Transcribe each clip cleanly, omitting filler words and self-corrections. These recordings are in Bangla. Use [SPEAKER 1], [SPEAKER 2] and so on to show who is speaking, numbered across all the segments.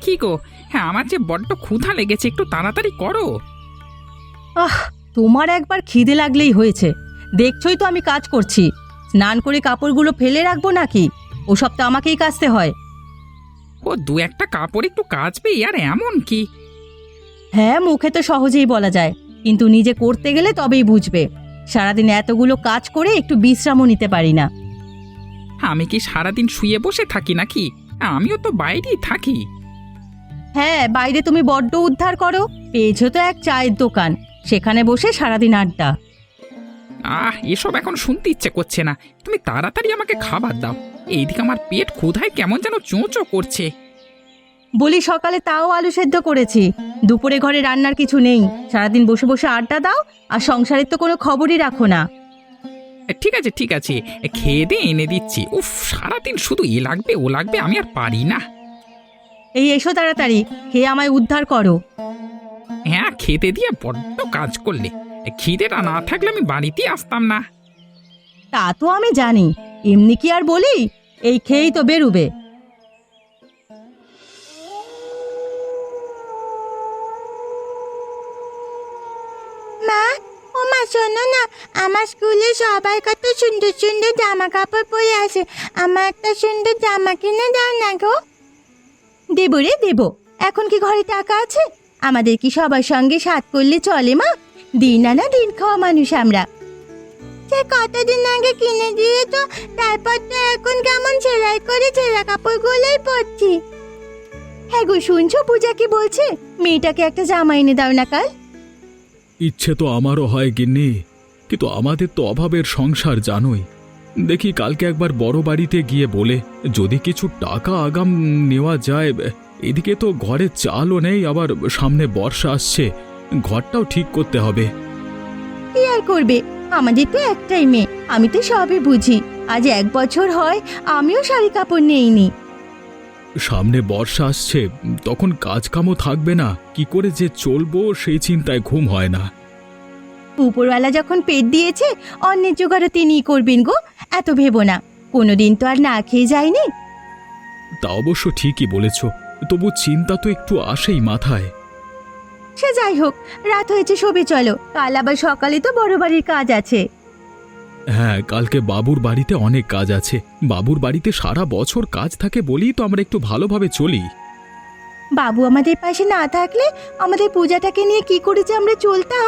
[SPEAKER 1] কি গো? হ্যাঁ, আমার যে বড্ড ক্ষুধা লেগেছে, একটু তাড়াতাড়ি করো।
[SPEAKER 2] আহ, তোমার একবার খিদে লাগলেই হয়েছে। দেখছই তো আমি কাজ করছি। স্নান করে কাপড়গুলো ফেলে রাখবো নাকি? ওসব তো আমাকেই কাচতে হয়।
[SPEAKER 1] ও দু একটা কাপড় একটু কাচবে, আর এমন কি?
[SPEAKER 2] হ্যাঁ, মুখে তো সহজেই বলা যায়, কিন্তু নিজে করতে গেলে তবেই বুঝবে। সারাদিন এতগুলো কাজ করে একটু বিশ্রামও নিতে পারি না।
[SPEAKER 1] আমি কি সারাদিন শুয়ে বসে থাকি নাকি? আমিও তো বাইরেই থাকি।
[SPEAKER 2] হ্যাঁ, বাইরে তুমি বড্ড উদ্ধার করো। পেয়েছো তো এক চায়ের দোকান, সেখানে বসে সারাদিন আড্ডা।
[SPEAKER 1] এসব এখন শুনতে ইচ্ছে করছে না। তুমি তাড়াতাড়ি আমাকে খাবার দাও। এইদিকে আমার পেট ক্ষুধায় কেমন যেন চোঁচো করছে।
[SPEAKER 2] বলি, সকালে তাও আলু সেদ্ধ করেছি। দুপুরে ঘরে রান্নার কিছু নেই। সারাদিন বসে বসে আড্ডা দাও, আর সংসারের তো কোনো খবরই রাখো না।
[SPEAKER 1] ঠিক আছে ঠিক আছে, খেয়ে দিয়ে এনে দিচ্ছি। উফ, সারাদিন শুধু এ লাগবে ও লাগবে, আমি আর পারি না।
[SPEAKER 2] এই এসো তাড়াতাড়ি, খেয়ে আমায় উদ্ধার করো।
[SPEAKER 1] হ্যাঁ, খেতে দিয়ে বড্ড কাজ করলে। খিদেটা না থাকলে আমি বাড়িতেই আসতাম না।
[SPEAKER 2] তা তো আমি জানি, এমনি কি আর বলি? এই খেয়েই তো বেরুবে।
[SPEAKER 3] মা, ও মা, শোনো না, আমার স্কুলে সবাই কত সুন্দর সুন্দর জামা কাপড় পরে আসে। আমার একটা সুন্দর জামা কিনে দাও না গো।
[SPEAKER 2] দেবো রে দেবো। এখন কি ঘরে টাকা আছে? আমাদের কি সবার সঙ্গে সাথ করলে চলে মা? দিন আনা দিন খাওয়া মানুষ আমরা।
[SPEAKER 3] সে কতদিন আগে কিনে দিয়ে তো, তারপর তো এখন কেমন সেলাই করে ছেঁড়া কাপড়গুলোই পরছি।
[SPEAKER 2] হ্যাঁ গো, শুনছো পূজা কি বলছে? মেয়েটাকে একটা জামা এনে দাও না কাল।
[SPEAKER 4] ইচ্ছে তো আমারও হয় গিন্নি, কিন্তু আমাদের তো অভাবের সংসার জানোই। দেখি কালকে একবার বড় বাড়িতে গিয়ে বলে যদি কিছু টাকা আগাম নেওয়া যায়। এদিকে তো ঘরে চালও নেই, আবার সামনে বর্ষা আসছে, ঘরটাও ঠিক করতে হবে।
[SPEAKER 2] কি আর করবে, আমাদের তো একটাই মেয়ে। আমি তো সবই বুঝি। আজ 1 বছর হয় আমিও শাড়ি কাপড় নেইনি।
[SPEAKER 4] সামনে বর্ষা আসছে, তখন কাজকামও থাকবে না, কি করে যে চলবো সেই চিন্তায় ঘুম হয় না।
[SPEAKER 2] উপরওয়ালা যখন পেট দিয়েছে, অন্যের জোগাড়ও তিনিই করবেন গো। এত ভেবো না, কোনোদিন তো আর না খেয়ে যায়নি।
[SPEAKER 4] তা অবশ্য ঠিকই বলেছ, তবু চিন্তা তো একটু আসেই মাথায়।
[SPEAKER 2] সে যাই হোক, রাত হয়েছে, শোবে চলো। কাল আবার সকালে তো বড় বাড়ির কাজ আছে।
[SPEAKER 4] হ্যাঁ, কালকে বাবুর বাড়িতে অনেক কাজ আছে। বাবুর বাড়িতে সারা বছর কাজ থাকে বলেই তো আমরা একটু ভালোভাবে চলি।
[SPEAKER 2] বাবু আমাদের পাশে না থাকলে আমাদের পূজাটাকে নিয়ে কি করে যে আমরা চলতাম।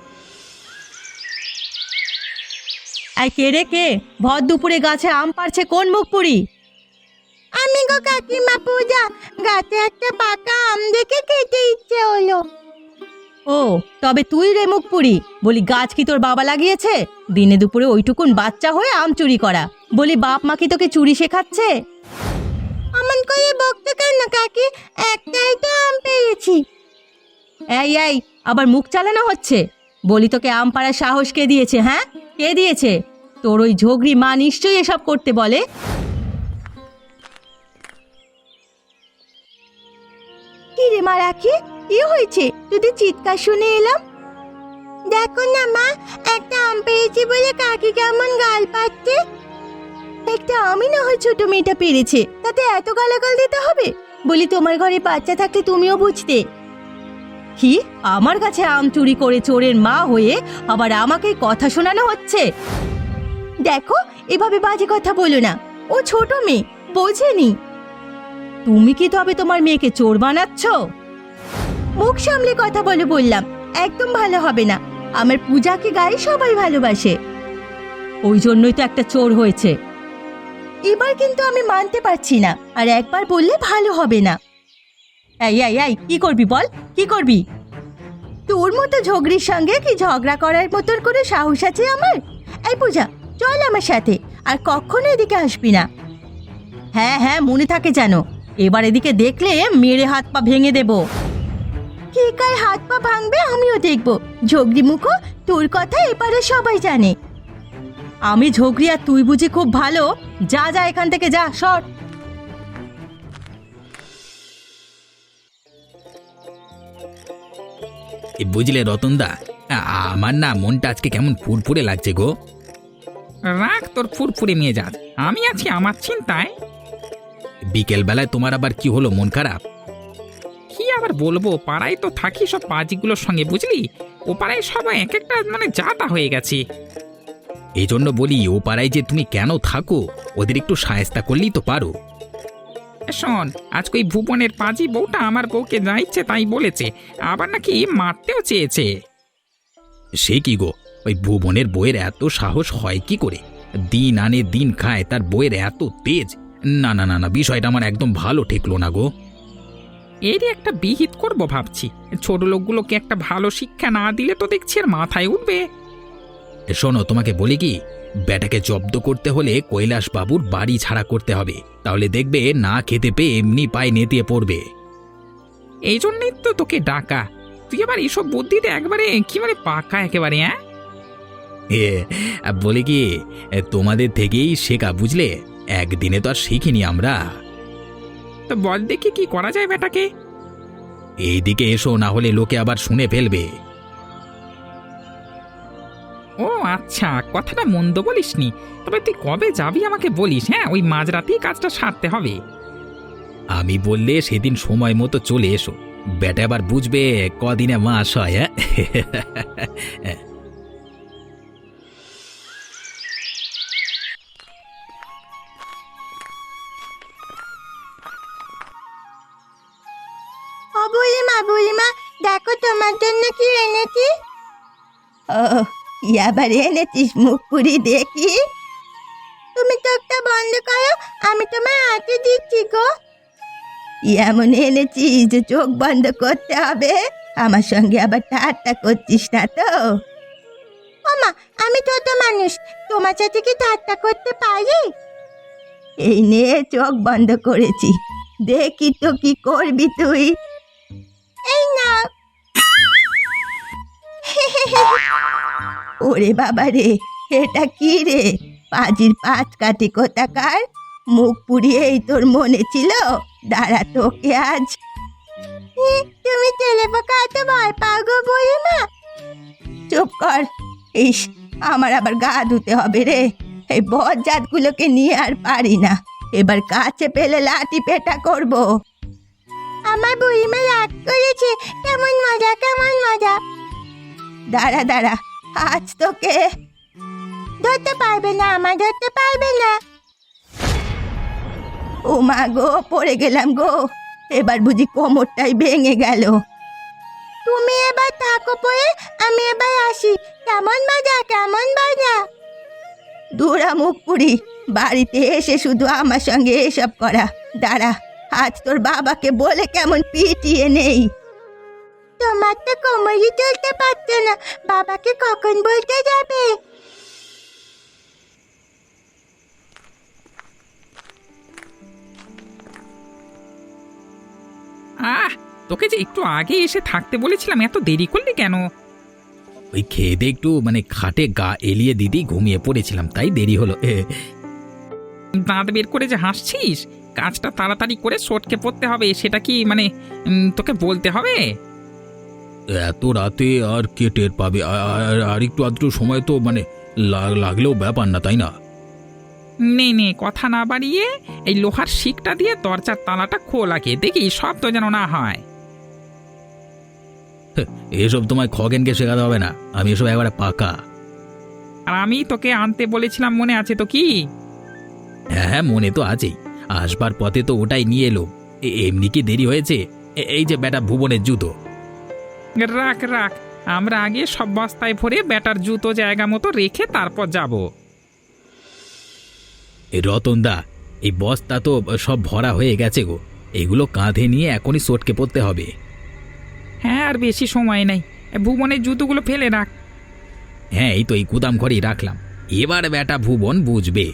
[SPEAKER 2] আর কে রে কে? ভর দুপুরে গাছে আম পাড়ছে কোন মুখ পুরি?
[SPEAKER 3] আমি গো কাকিমা পূজা, গাছে একটা পাকা আম দেখে খেতে ইচ্ছে হলো।
[SPEAKER 2] ও, তবে তুই রে মুখ পুরি? বলি, গাছ কি তোর বাবা লাগিয়েছে? দিনে দুপুরে ওইটুকুন বাচ্চা হয়ে আম চুরি করা। বলি, বাপ মা কি তোকে চুরি শেখাচ্ছে?
[SPEAKER 3] অমন করে বকতে কেন কাকি? একটাই তো আম পেয়েছি।
[SPEAKER 2] এই এই, আবার মুখ চালানো হচ্ছে? বলি, তোকে আম পাড়ার সাহস কে দিয়েছে? হ্যাঁ, কে দিয়েছে? তোর ওই ঝগড়ি মা নিশ্চয়ই এসব করতে বলে। কি রে মা রাখি, কি হয়েছে? তোদের চিৎকার শুনে এলাম।
[SPEAKER 3] দেখো না মা, একটা আম পেয়েছি বলে কাকি কেমন গাল পাচ্ছে।
[SPEAKER 2] একটা আমি না হয় ছোট মেয়েটা পেরেছে, তাতে এত গালাগাল দিতে হবে? বলি, তোমার ঘরে বাচ্চা থাকলে তুমিও বুঝতে। কি, আমার কাছে আম চুরি করে চোরের মা হয়ে আবার আমাকে কথা শোনানো হচ্ছে? দেখো, এভাবে বাজে কথা বলো না। ও ছোট মেয়ে, বোঝেনি। তুমি কি তবে তোমার মেয়েকে চোর বানাচ্ছ? মুখ সামলে কথা বলে বললাম, একদম ভালো হবে না। আমার পূজাকে গায়ে সবাই ভালোবাসে, ওই জন্যই তো একটা চোর হয়েছে। এবার কিন্তু আমি মানতে পারছি না, আর একবার বললে ভালো হবে না। এই এই এই, কি করবি বল, কি করবি? তোর মতো ঝগড়ির সঙ্গে কি ঝগড়া করার মতন করে সাহস আছে আমার? এই পূজা, চল আমার সাথে, আর কখনো এদিকে আসবি না। হ্যাঁ হ্যাঁ, মনে থাকে যেন। এবার এদিকে দেখলে মেরে হাত পা ভেঙে দেব। কে কার হাত পা ভাঙবে আমিও দেখব। ঝগড়ি মুখো, তোর কথা এপারে সবাই জানে। আমি ঝগড়ি আর তুই বুঝি খুব ভালো? যা যা এখান থেকে, যা, সর।
[SPEAKER 5] বুঝলে রতনদা, আমার না মনটা আজকে কেমন ফুরফুরে লাগছে গো।
[SPEAKER 1] রাখ তোর ফুরফুরে নিয়ে যাস, আমি আছি আমার চিন্তায়।
[SPEAKER 5] বিকেল বেলায় তোমার আবার কি হলো, মন খারাপ?
[SPEAKER 1] আবার বলবো, পাড়ায় তো থাকি সব পাজিগুলোর সঙ্গে, বুঝলি? ও পাড়ায় সবাই এক একটা মানে যাতা হয়ে গেছে।
[SPEAKER 5] এই জন্য বলি ও পাড়ায় যে তুমি কেন থাকো, ওদের একটু সায়স্তা করলেই তো পারো।
[SPEAKER 1] শোন, আজকে ওই ভুবনের পাজি বউটা আমার বউকে যা ইচ্ছে তাই বলেছে, আবার নাকি মারতেও চেয়েছে।
[SPEAKER 5] সে কি গো, ওই ভুবনের বইয়ের এত সাহস হয় কি করে? দিন আনে দিন খায়, তার বইয়ের এত তেজ। না না না না, বিষয়টা আমার একদম ভালো ঠেকলো না গো।
[SPEAKER 1] এরই একটা বিহিত করব ভাবছি। ছোট লোকগুলোকে একটা ভালো শিক্ষা না দিলে তো দেখছি আর মাথায় উঠবে।
[SPEAKER 5] শোনো, তোমাকে বলি কি, বেটাকে জব্দ করতে হলে কৈলাস বাবুর বাড়ি ছাড়া করতে হবে, তাহলে দেখবে না খেতে পেয়ে এমনি পায়ে নেতিয়ে পড়বে।
[SPEAKER 1] এই জন্যই তো তোকে ডাকা। তুই আবার এইসব বুদ্ধিতে একবারে কি মানে পাকা একেবারে, হ্যাঁ?
[SPEAKER 5] বলি কি, তোমাদের থেকেই শেখা, বুঝলে? একদিনে তো আর শিখিনি আমরা।
[SPEAKER 1] তো বল দেখি কি করা যায় বেটাকে।
[SPEAKER 5] এইদিকে এসো, না হলে লোকে আবার শুনে ফেলবে।
[SPEAKER 1] ও আচ্ছা, কথাটা মন্দ বলিসনি। তবে তুই কবে যাবি আমাকে বলিস, হ্যাঁ? ওই মাঝরাতেই কাজটা সারতে হবে।
[SPEAKER 5] আমি বললে সেদিন সময় মতো চলে এসো, বেটা আবার বুঝবে কদিনে মাস হয়। হ্যাঁ
[SPEAKER 3] ও বুড়িমা বুড়িমা, দেখো তোমার জন্য কি এনেছি।
[SPEAKER 2] ও, কি আবার এনেছিস মুখ পুরি দেখি?
[SPEAKER 3] তুমি চোখটা বন্ধ করো, আমি তোমার হাতে দিচ্ছি গো।
[SPEAKER 2] কি এমন এনেছিস যে চোখ বন্ধ করতে হবে? আমার সঙ্গে আবার ঠাট্টা করছিস না তো?
[SPEAKER 3] ওমা, আমি ছোট মানুষ, তোমার সাথে কি ঠাট্টা করতে পারি?
[SPEAKER 2] এই নে চোখ বন্ধ করেছি, দেখি তো কি করবি তুই।
[SPEAKER 3] এই না।
[SPEAKER 2] ওরে বাবা রে, এটা কি রে? পাজির পাঁচ কাটি কোথাকার! মুখ পুড়িয়েই তোর মনে ছিল? দাঁড়া, তোকে আজ।
[SPEAKER 3] তুমি তেলে পোকা এত ভয় পাও গো বুড়িমা?
[SPEAKER 2] চুপ কর। ইস, আমার আবার গা ধুতে হবে রে। এই বজ্জাতগুলোকে নিয়ে আর পারি না। এবার কাছে পেলে লাঠি পেটা করব।
[SPEAKER 3] আমার বুড়িমা রাগ করেছে। কেমন মজা, কেমন মজা।
[SPEAKER 2] দাঁড়া দাঁড়া, আজ তোকে।
[SPEAKER 3] ধরতে পারবে না, আমার ধরতে পারবে না।
[SPEAKER 2] ও মা গো, পড়ে গেলাম গো। এবার বুঝি কোমরটাই ভেঙে গেল।
[SPEAKER 3] তুমি এবার থাকো পরে, আমি এবার আসি। কেমন মজা, কেমন মজা।
[SPEAKER 2] দুরা মুখ পুরি, বাড়িতে এসে শুধু আমার সঙ্গে এসব করা। দাঁড়া, আজ তোর বাবাকে বলে কেমন পিটিয়ে নেই।
[SPEAKER 3] তোমার তো কোমরই চলতে পারছে না, বাবাকে কখন বলতে যাবে?
[SPEAKER 1] তোকে যে একটু আগে এসে থাকতে বলেছিলাম, এত দেরি করলি কেন?
[SPEAKER 5] ওই খেয়ে দিয়ে একটু মানে খাটে গা এলিয়ে দিদি ঘুমিয়ে পড়েছিলাম, তাই দেরি হলো।
[SPEAKER 1] দাঁত বের করে যে হাসছিস, কাজটা তাড়াতাড়ি করে সটকে পড়তে হবে, সেটা কি মানে তোকে বলতে হবে?
[SPEAKER 5] এত রাতে আর কে টের পাবে? আর একটু আধটু সময় তো মানে লাগলেও ব্যাপার না, তাই না?
[SPEAKER 1] নে নে, কথা না বাড়িয়ে এই লোহার শিকটা দিয়ে দরজার তালাটা খোলাকে দেখি, শব্দ যেন না হয়।
[SPEAKER 5] এসব তোমায় খগেনকে শেখাতে হবে না, আমি এসব একবারে পাকা।
[SPEAKER 1] আর আমি তোকে আনতে বলেছিলাম, মনে আছে তো কি?
[SPEAKER 5] হ্যাঁ হ্যাঁ, মনে তো আছেই। আসবার পথে তো ওটাই নিয়ে এলো। এমনি কি দেরি হয়েছে? এই যে বেটা ভুবনের জুতো।
[SPEAKER 1] রাখ রাখ, আমরা আগে সব বস্তায় ভরে ব্যাটার জুতো জায়গা মতো রেখে তারপর যাব।
[SPEAKER 5] এই রতনদা, এই বস্তা তো সব ভরা হয়ে গেছে গো, এগুলো কাঁধে নিয়ে এখনই সটকে পড়তে হবে।
[SPEAKER 1] হ্যাঁ, আর বেশি সময় নেই। ভুবনের জুতোগুলো ফেলে রাখ।
[SPEAKER 5] হ্যাঁ, এই তো এই গুদাম ঘরেই রাখলাম। এবার বেটা ভুবন বুঝবে।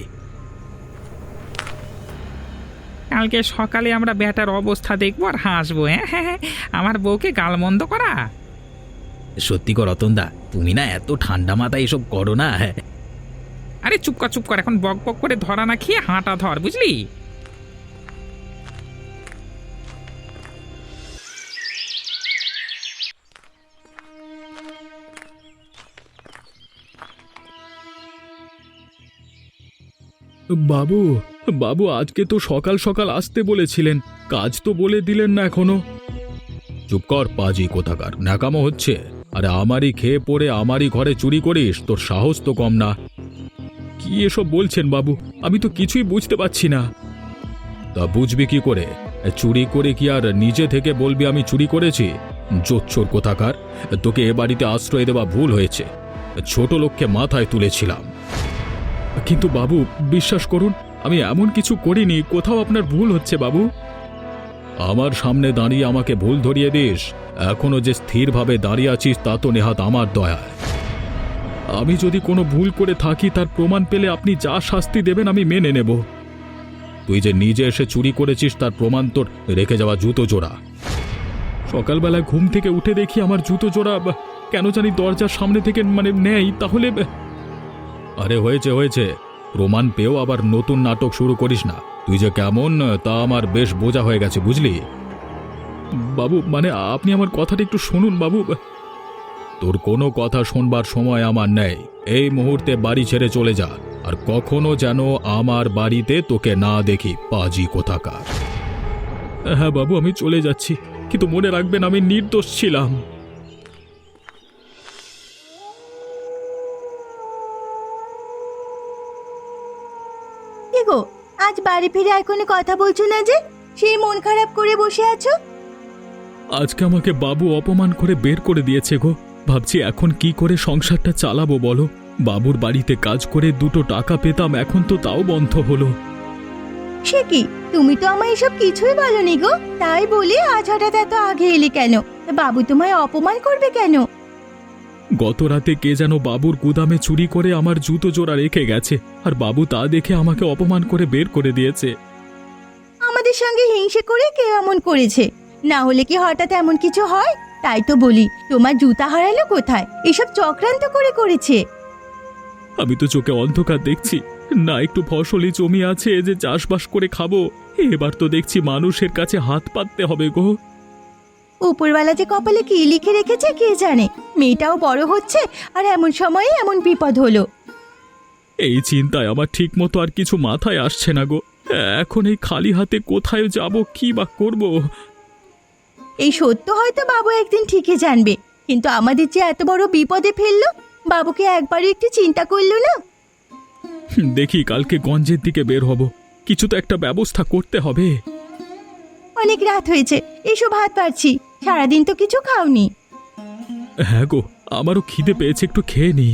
[SPEAKER 1] কালকে সকালে আমরা ব্যাটার অবস্থা দেখবো আর হাসবো। হ্যাঁ হ্যাঁ হ্যাঁ, আমার বউকে গালমন্দ করা।
[SPEAKER 5] সত্যি কর রতনদা, তুমি না এত ঠান্ডা মাথায় এসব করো না।
[SPEAKER 1] আরে চুপ কর চুপ কর, এখন বক বক করে ধরা না খেয়ে হাঁটা ধর, বুঝলি?
[SPEAKER 4] বাবু, বাবু, আজকে তো সকাল সকাল আসতে বলেছিলেন, কাজ তো বলে দিলেন না এখনো। চুপ কর পাজি কোথাকার, ন্যাকামো হচ্ছে। আরে আমারই খেয়ে পড়ে আমারই ঘরে চুরি করিস, তোর সাহস তো কম না। কি এসব বলছেন বাবু, আমি তো কিছুই বুঝতে পারছি না। তা বুঝবি কি করে? চুরি করে কি আর নিজে থেকে বলবি আমি চুরি করেছি? জোচ্চোর কোথাকার, তোকে এ বাড়িতে আশ্রয় দেওয়া ভুল হয়েছে। ছোট লোককে মাথায় তুলেছিলাম। কিন্তু বাবু বিশ্বাস করুন, আমি এমন কিছু করিনি, কোথাও আপনার ভুল হচ্ছে বাবু। আমার সামনে দাঁড়িয়ে আমাকে ভুল ধরিয়ে দিস? এখনো যে স্থিরভাবে দাঁড়িয়ে আছিস তা তো নেহাত আমার দয়া। আমি যদি কোনো ভুল করে থাকি তার প্রমাণ পেলে আপনি যা শাস্তি দেবেন আমি মেনে নেব। তুই যে নিজে এসে চুরি করেছিস তার প্রমাণ তোর রেখে যাওয়া জুতো জোড়া। সকালবেলা ঘুম থেকে উঠে দেখি আমার জুতো জোড়া কেন জানি দরজার সামনে থেকে নেই, তাহলে। আরে হয়েছে হয়েছে, প্রমাণ পেয়েও আবার নতুন নাটক শুরু করিস না। তুই যে কেমন তা আমার বেশ বোঝা হয়ে গেছে, বুঝলি? বাবু আপনি আমার কথাটা একটু শুনুন বাবু। তোর কোনো কথা শুনবার সময় আমার নেই। এই মুহূর্তে বাড়ি ছেড়ে চলে যা, আর কখনো যেন আমার বাড়িতে তোকে না দেখি, পাজি কোথাকার। হ্যাঁ বাবু, আমি চলে যাচ্ছি, কিন্তু মনে রাখবেন আমি নির্দোষ ছিলাম।
[SPEAKER 2] কি গো, আজ বাড়ি ফিরে আর কোনো কথা বলছো না যে? সেই মন খারাপ করে বসে আছো।
[SPEAKER 4] আজকে আমাকে বাবু অপমান করে বের করে দিয়েছে গো। ভাবছি এখন কি করে সংসারটা চালাবো বলো। বাবুর বাড়িতে কাজ করে দুটো টাকা পেতাম, এখন তো তাও বন্ধ হলো।
[SPEAKER 2] সে কি, তুমি তো আমায় এসব কিছুই বলনি গো। তাই বলি আজ হঠাৎ এত আগে এলে কেন? বাবু তোমায় অপমান করবে কেন?
[SPEAKER 4] গত রাতে কে যেন বাবুর গুদামে চুরি করে আমার জুতো জোড়া রেখে গেছে, আর বাবু তা দেখে আমাকে অপমান করে বের করে দিয়েছে।
[SPEAKER 2] আমাদের সঙ্গে হিংসে করে কেউ এমন করেছে? না হলে কি হঠাৎ এমন কিছু হয়? তাই তো বলি, তোমার জুতা হারালো কোথায়? এসব চক্রান্ত করে করেছে।
[SPEAKER 4] আমি তো চোখে অন্ধকার দেখছি না, একটু ফসলি জমি আছে যে চাষবাস করে খাবো। এবার তো দেখছি মানুষের কাছে হাত পাততে হবে গো।
[SPEAKER 2] উপরওয়ালা যে কপালে কি লিখে রেখেছে কে জানে। মেয়েটাও বড় হচ্ছে, আর এমন সময়ে এমন বিপদ হলো।
[SPEAKER 4] এই চিন্তায় আমার ঠিক মতো আর কিছু মাথায় আসছে না গো। এখন এই খালি হাতে কোথায় যাব, কি বা করব?
[SPEAKER 2] এই সত্য হয়তো বাবু একদিন ঠিকই জানবে, কিন্তু আমাদের যে এত বড় বিপদে ফেললো, বাবুকে একবারও একটু চিন্তা করলো না।
[SPEAKER 4] দেখি কালকে গঞ্জের দিকে বের হব, কিছু তো একটা ব্যবস্থা করতে হবে।
[SPEAKER 2] অনেক রাত হয়েছে, এসো ভাত পারছি। সারাদিন তো কিছু খাওনি।
[SPEAKER 4] হ্যাঁ গো, আমারও খিদে পেয়েছে, একটু খেয়ে নিই।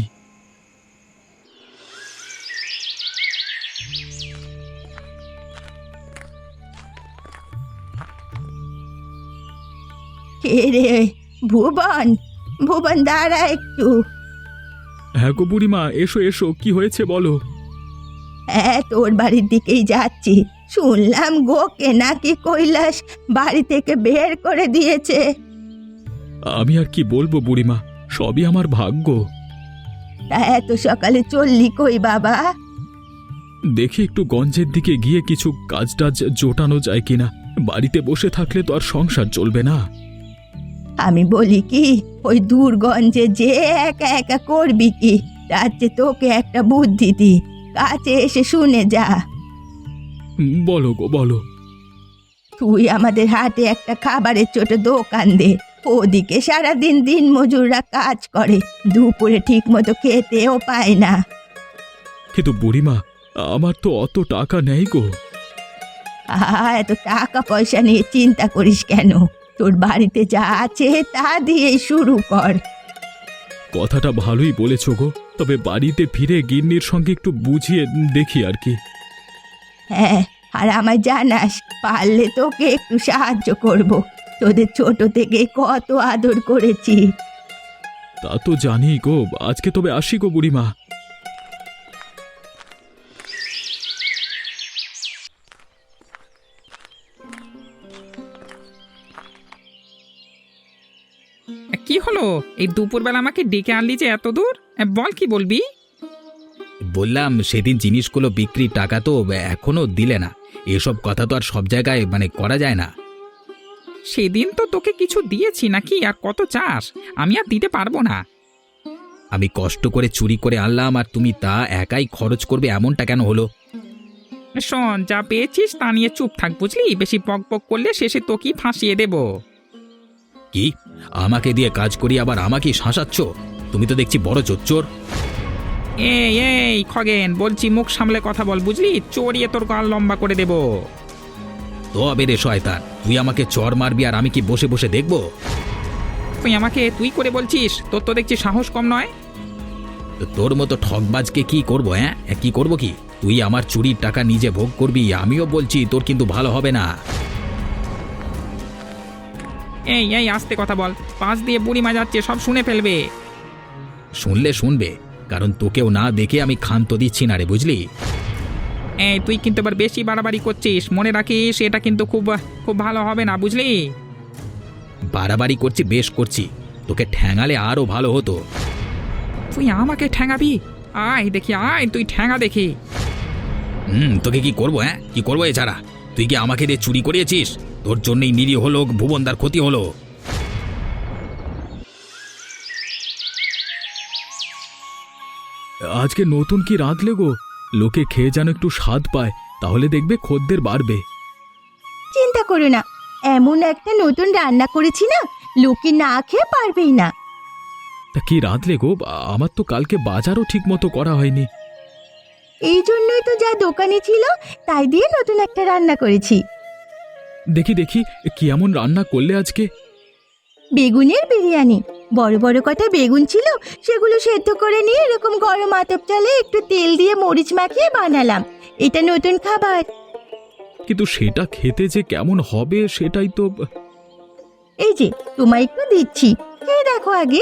[SPEAKER 2] কে রে? ভুবন, ভুবন দাঁড়া একটু।
[SPEAKER 4] হ্যাঁ গো বুড়িমা, এসো এসো, কি হয়েছে বলো।
[SPEAKER 2] হ্যাঁ, তোর বাড়ির দিকেই যাচ্ছি। শুনলাম গোকে নাকি কৈলাস বাড়ি থেকে বের করে দিয়েছে।
[SPEAKER 4] আমি আর কি বলবো বুড়িমা, সবই আমার ভাগ্য।
[SPEAKER 2] তা এত সকালে চললি কই বাবা?
[SPEAKER 4] দেখি একটু গঞ্জের দিকে গিয়ে কিছু কাজ টাজ জোটানো যায় কিনা। বাড়িতে বসে থাকলে তো আর সংসার চলবে না।
[SPEAKER 2] আমি বলি কি, ওই দূরগঞ্জে যে একা একা করবি কি? তার চেয়ে তোকে একটা বুদ্ধি দি, কাছে এসে শুনে যা।
[SPEAKER 4] বলো গো বলো।
[SPEAKER 2] তুই আমাদের হাটে একটা খাবারের ছোট দোকান দে। ওদিকে সারাদিন দিন মজুররা কাজ করে, দুপুরে ঠিক মতো খেতেও পায় না।
[SPEAKER 4] কিন্তু বুড়িমা, আমার তো অত টাকা নেই গো।
[SPEAKER 2] এত টাকা পয়সা নিয়ে চিন্তা করিস কেন? তোর বাড়িতে যা আছে তা দিয়ে শুরু কর।
[SPEAKER 4] কথাটা ভালোই বলেছ গো, তবে বাড়িতে ফিরে গিন্নির সঙ্গে একটু বুঝিয়ে দেখি আর কি।
[SPEAKER 2] হ্যাঁ, আর আমায় জানাস, পারলে তোকে একটু সাহায্য করব। তোদের ছোট থেকে কত আদর করেছি।
[SPEAKER 4] তা তো জানি গো, আজকে তবে আসি গো বুড়িমা।
[SPEAKER 1] কি হলো? এই দুপুরবেলা আমাকে ডেকে আনলি যে এত দূর? বল, কি বলবি?
[SPEAKER 5] বললাম সেদিন জিনিসগুলো বিক্রির টাকা তো এখনো দিলে না। এসব কথা তো আর সব জায়গায় করা যায় না।
[SPEAKER 1] সেদিন তো তোকে কিছু দিয়েছি নাকি, আর কত চাস? আমি আর দিতে পারবো না।
[SPEAKER 5] আমি কষ্ট করে চুরি করে আনলাম, আর তুমি তা একাই খরচ করবে, এমনটা কেন হলো?
[SPEAKER 1] শোন, যা পেয়েছিস তা নিয়ে চুপ থাক, বুঝলি? বেশি পক পক করলে শেষে তোকেই ফাঁসিয়ে দেব।
[SPEAKER 5] কি আমাকে দিয়ে কাজ করি আবার আমাকেই শাসাচ্ছ? তুমি তো দেখছি বড় চোর।
[SPEAKER 1] এই এই খগেন, বলছি মুখ সামলে কথা বল, বুঝলি? চড়িয়ে তোর গাল লম্বা করে দেব।
[SPEAKER 5] তবে রে শয়তান, তুই আমাকে চর মারবি আর আমি কি বসে বসে দেখবো?
[SPEAKER 1] তুই আমাকে তুই করে বলছিস? তোর তো দেখছি সাহস কম নয়।
[SPEAKER 5] তো তোর মতো ঠকবাজকে কি করবো? হ্যাঁ, কি করব কি? তুই আমার চুরির টাকা নিজে ভোগ করবি, আমিও বলছি তোর কিন্তু ভালো হবে না।
[SPEAKER 1] এই এই আস্তে কথা বল, পাশ দিয়ে বুড়িমা যাচ্ছে, সব শুনে ফেলবে।
[SPEAKER 5] শুনলে শুনবে, কারণ তোকেও না দেখে আমি ক্ষান্ত দিচ্ছি না রে, বুঝলি?
[SPEAKER 1] এই তুই কিন্তু এবার বেশি বাড়াবাড়ি করছিস, মনে রাখিস এটা কিন্তু খুব খুব ভালো হবে না, বুঝলি?
[SPEAKER 5] বাড়াবাড়ি করছি, বেশ করছি। তোকে ঠ্যাঙালে আরো ভালো হতো।
[SPEAKER 1] তুই আমাকে ঠ্যাঙাবি? আয় দেখি, আয় তুই ঠ্যাঙা দেখি।
[SPEAKER 5] তোকে কি করবো? হ্যাঁ, কি করবো এছাড়া? তুই কি আমাকে দিয়ে চুরি করিয়েছিস? তোর জন্যই নিরীহ লোক ভুবনদার ক্ষতি হলো।
[SPEAKER 4] আজকে নতুন কি রাঁধলে গো? লোকে খেয়ে যেন একটু স্বাদ পায়, তাহলে দেখবে খদ্দের বাড়বে।
[SPEAKER 2] চিন্তা করো না, এমন একটা নতুন রান্না করেছি না, লোকে না খেয়ে পারবেই না।
[SPEAKER 4] তা কি রাঁধলে গো? আমার তো কালকে বাজারও ঠিক মতো করা হয়নি।
[SPEAKER 2] এই জন্যই তো যা দোকানে ছিল তাই দিয়ে নতুন একটা রান্না করেছি।
[SPEAKER 4] দেখি দেখি, কি এমন রান্না করলে আজকে?
[SPEAKER 2] বেগুনের বিরিয়ানি। বড় বড় কটা বেগুন ছিল, সেগুলো সেদ্ধ করে নিয়ে এরকম গরম আতপ চালে একটু তেল দিয়ে মরিচ মাখিয়ে বানালাম। এটা নতুন খাবার।
[SPEAKER 4] কিন্তু সেটা খেতে যে কেমন হবে সেটাই তো।
[SPEAKER 2] এই যে তোমায় একটু দিচ্ছি, খেয়ে দেখো আগে।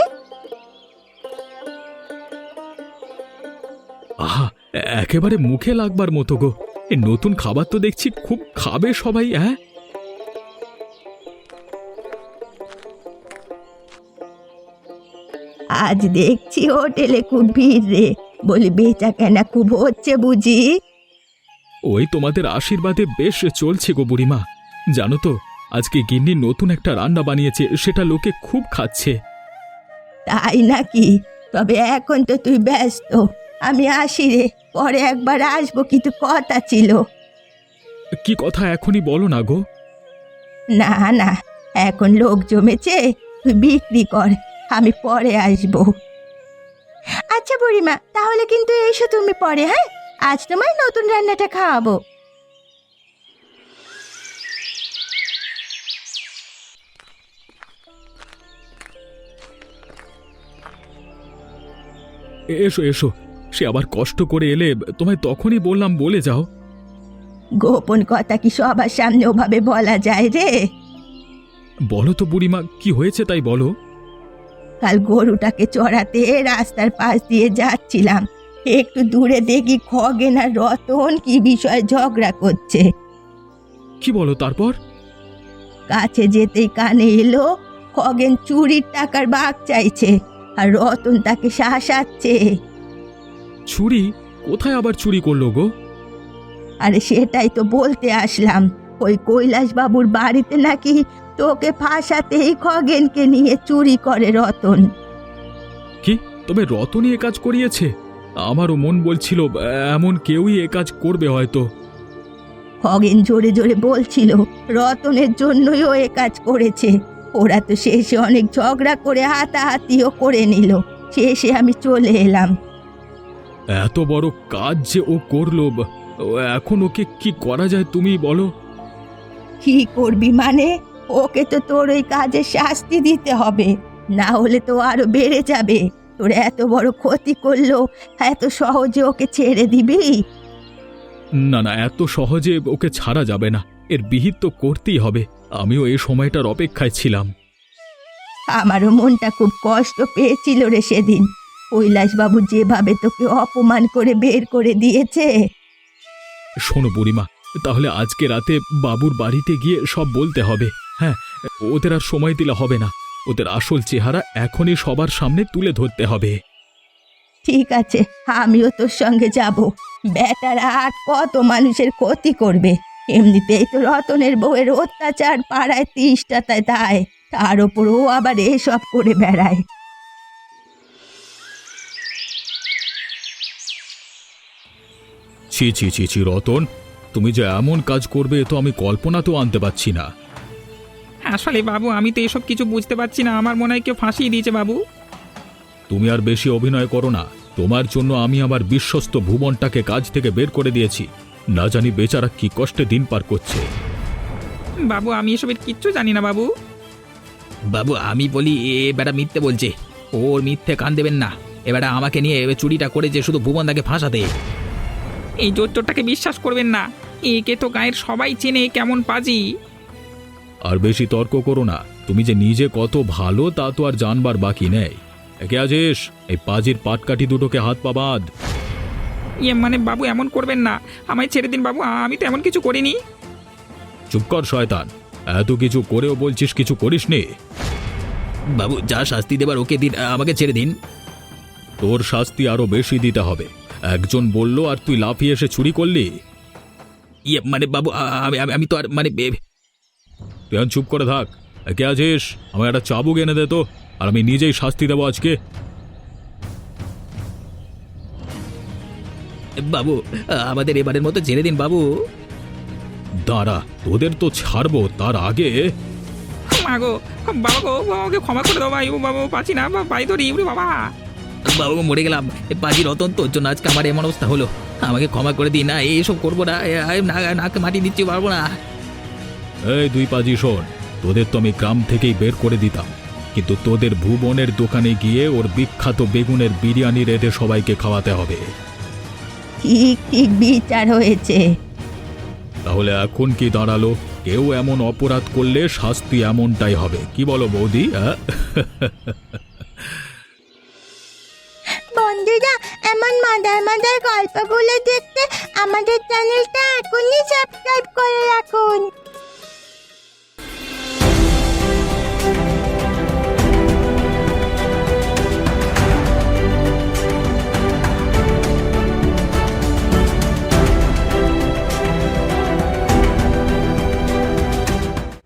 [SPEAKER 4] আহা, একেবারে মুখে লাগবার মতো গো। এই নতুন খাবার তো দেখছি খুব খাবে সবাই। হ্যাঁ,
[SPEAKER 2] আজ দেখছি হোটেলে খুব ভিড় রে, বলি বেচা কেনা খুব হচ্ছে বুঝি?
[SPEAKER 4] ওই তোমাদের আশীর্বাদে বেশ চলছে গো বুড়িমা। জানো তো, আজকে গিন্নি নতুন একটা রান্না বানিয়েছে, সেটা লোকে খুব খাচ্ছে।
[SPEAKER 2] তাই নাকি? তবে এখন তো তুই ব্যস্ত, আমি আসি রে, পরে একবার আসবো, কিন্তু কথা ছিল।
[SPEAKER 4] কি কথা এখনই বলো না গো।
[SPEAKER 2] না না, এখন লোক জমেছে, তুই বিক্রি কর, আমি পরে আসবো। আচ্ছা বুড়িমা, তাহলে কিন্তু এসো তুমি পরে। হ্যাঁ, আজ তোমায় নতুন রান্নাটা খাওয়াবো।
[SPEAKER 4] এসো এসো, সে আবার কষ্ট করে এলে, তোমায় তখনই বললাম বলে যাও।
[SPEAKER 2] গোপন কথা কি সবার সামনে ওভাবে বলা যায় রে?
[SPEAKER 4] বলো তো বুড়িমা, কি হয়েছে তাই বলো।
[SPEAKER 2] কাল গরুটাকে চড়াতে রাস্তার পাশ দিয়ে যাচ্ছিলাম, একটু দূরে দেখি খগেন আর রতন কি বিষয়ে ঝগড়া করছে।
[SPEAKER 4] কি বলো তারপর?
[SPEAKER 2] কাছে যেতেই কানে এলো খগেন চুরির টাকার ভাগ চাইছে, আর রতন তাকে শাসাচ্ছে।
[SPEAKER 4] চুরি? কোথায় আবার চুরি করলো গো?
[SPEAKER 2] আরে সেটাই তো বলতে আসলাম, ওই কৈলাস বাবুর বাড়িতে নাকি তোকে ফাঁসাতেই খগেনকে নিয়ে চুরি করে রতন।
[SPEAKER 4] কি, তবে রতনই এ কাজ করিয়েছে? আমারও মন বলছিল এমন কেউই এ কাজ করবে হয়তো।
[SPEAKER 2] খগেন জোরে জোরে বলছিল রতনের জন্যই ও এ কাজ করেছে। ওরা তো শেষে অনেক ঝগড়া করে হাতাহাতিও করে নিল, শেষে আমি চলে এলাম।
[SPEAKER 4] এত বড় কাজ যে ও করলো, এখন ওকে কি করা যায় তুমি বলো?
[SPEAKER 2] কি করবি মানে? ওকে তো তোর ওই কাজের শাস্তি দিতে হবে, না হলে তো আরো বেড়ে যাবে। তোর এত বড় ক্ষতি করলো, এত সহজে ওকে ছেড়ে দিবি?
[SPEAKER 4] না না, এত সহজে ওকে ছাড়া যাবে না, এর বিহিত তো করতেই হবে। আমিও এই সময়টার অপেক্ষায় ছিলাম।
[SPEAKER 2] আমারও মনটা খুব কষ্ট পেয়েছিল রে সেদিন, কৈলাসবাবু যেভাবে তোকে অপমান করে বের করে দিয়েছে।
[SPEAKER 4] শোনো বুড়িমা, তাহলে আজকে রাতে বাবুর বাড়িতে গিয়ে সব বলতে হবে। হ্যাঁ, ওদের আর সময় দিলে হবে না, ওদের আসল চেহারা এখনই সবার সামনে তুলে ধরতে হবে।
[SPEAKER 2] ঠিক আছে, আমিও তোর সঙ্গে যাব। বেটারা আর কত মানুষের ক্ষতি করবে, এমনিতেই তো রতনের বউয়ের অত্যাচার পাড়ায় তিষ্টাতায় দায়, তার ওপর ও আবার এসব করে বেড়ায়।
[SPEAKER 4] ছি ছি ছি ছি রতন, তুমি যে এমন কাজ করবে তো আমি কল্পনা তো আনতে পারছি না।
[SPEAKER 1] আসলে বাবু আমি তো এসব কিছু বুঝতে পারছি না, আমার মনে হয় কেউ ফাঁসিয়ে দিয়েছে বাবু।
[SPEAKER 4] তুমি আর বেশি অভিনয় করো না। তোমার জন্য আমি আমার বিশ্বস্ত ভুবনটাকে কাজ থেকে বের করে দিয়েছি। না জানি বেচারা কি কষ্টে দিন পার করছে।
[SPEAKER 1] বাবু আমি এসবের কিচ্ছু জানি না বাবু।
[SPEAKER 5] বাবু আমি বলি এ বেটা মিথ্যে বলছে, ওর মিথ্যে কান দেবেন না। এবারে আমাকে নিয়ে চুরিটা করেছে শুধু ভুবনদাকে ফাঁসাতে।
[SPEAKER 1] এই জোচ্চোরটাকে বিশ্বাস করবেন না, একে তো গায়ের সবাই চেনে কেমন পাজি।
[SPEAKER 4] আর বেশি তর্ক করো না। তুমি যে নিজে কত ভালো তা তো আর জানবার বাকি নেই। একে আজেশ, এই পাজির পাটকাঠি দুটোকে হাত পা বাঁধ।
[SPEAKER 1] মানে বাবু এমন করবেন না, আমায় ছেড়ে দিন বাবু, আমি তো এমন কিছু করিনি।
[SPEAKER 4] চুপ কর শয়তান, এত কিছু করেও বলছিস কিছু করিসনি।
[SPEAKER 5] বাবু যা শাস্তি দেবার ওকে দিন, আমাকে ছেড়ে দিন।
[SPEAKER 4] তোর শাস্তি আরো বেশি দিতে হবে। একজন বলল আর তুই লাফিয়ে এসে চুরি করলি।
[SPEAKER 5] মানে বাবু আমি আমি আমি তো আর মানে
[SPEAKER 4] তুই এখন চুপ করে থাক। একে আছিস, আমার একটা চাবুক এনে দে তো, আর আমি নিজেই শাস্তি দেবো আজকে।
[SPEAKER 5] বাবু আমাদের এবারের মতো ছেড়ে দিন বাবু।
[SPEAKER 4] দাঁড়া, তোদের তো ছাড়বো, তার আগে
[SPEAKER 1] মা গো, বাবা গো, বাবাকে ক্ষমা করে দাও ভাই, ও বাবা পাচ্ছি না, পাই তো রি বাবা।
[SPEAKER 5] বাবু মরে গেলাম, পাজি রতন তোর জন্য আজকে আমার এমন অবস্থা হলো। আমাকে ক্ষমা করে দিন, না এইসব করবো না, নাকে মাটি দিচ্ছি পারবো না।
[SPEAKER 4] এই দুই পাজি শোন, তোদের তো আমি গ্রাম থেকেই বের করে দিতাম, কিন্তু তোদের ভুবনের দোকানে গিয়ে ওর বিখ্যাত বেগুনের বিরিয়ানি রেঁধে সবাইকে খাওয়াতে হবে।
[SPEAKER 2] ঠিক ঠিক বিচার হয়েছে।
[SPEAKER 4] তাহলে এখন কি দাঁড়ালো? কেউ এমন অপরাধ করলে শাস্তি এমনটাই হবে, কি বলো বৌদি?
[SPEAKER 3] বন্ধুরা, এমন মজার মজার গল্পগুলো দেখতে আমাদের চ্যানেলটা এখনই সাবস্ক্রাইব করে রাখুন।